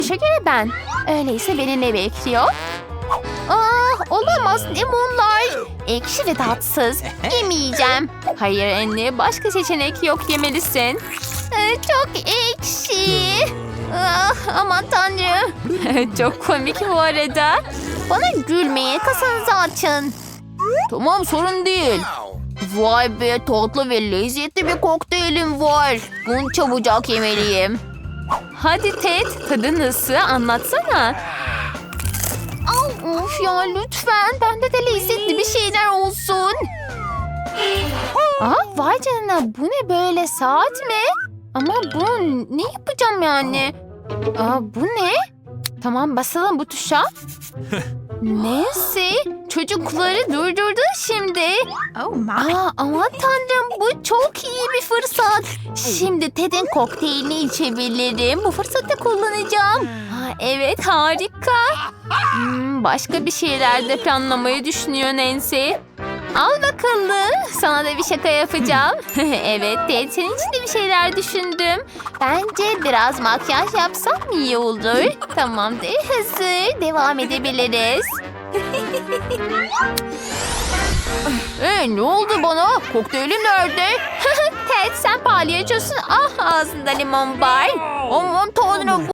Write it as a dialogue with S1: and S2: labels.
S1: görünüşe göre ben. Öyleyse beni ne bekliyor? Olamaz limonlar. Ekşi ve tatsız. Yemeyeceğim. Hayır anne, başka seçenek yok, yemelisin. Çok ekşi. Aman tanrım. Çok komik bu arada. Bana gülmeyin, kasanızı açın. Tamam, sorun değil. Vay be, tatlı ve lezzetli bir kokteylim var. Bunu çabucak yemeliyim. Hadi Ted, tadı nasıl, anlatsana. Of ya, lütfen bende de lezzetli bir şeyler olsun. Vay canına, bu ne böyle, saat mi? Ama bunu ne yapacağım yani? Bu ne? Tamam, basalım bu tuşa. Neyse, çocukları durdurdu şimdi. Aman tanrım, bu çok iyi bir fırsat. Şimdi Ted'in kokteylini içebilirim. Bu fırsatı kullanacağım. Evet, harika. Başka bir şeyler de planlamayı düşünüyor Nancy. Al bakalım, sana da bir şaka yapacağım. Evet Ted, senin için de bir şeyler düşündüm. Bence biraz makyaj yapsam iyi olur. Tamamdır, hazır. Devam edebiliriz. Ne oldu bana? Kokteylim nerede? Ted, sen palyaçosun. Ağzında limon var. Aman tanrım.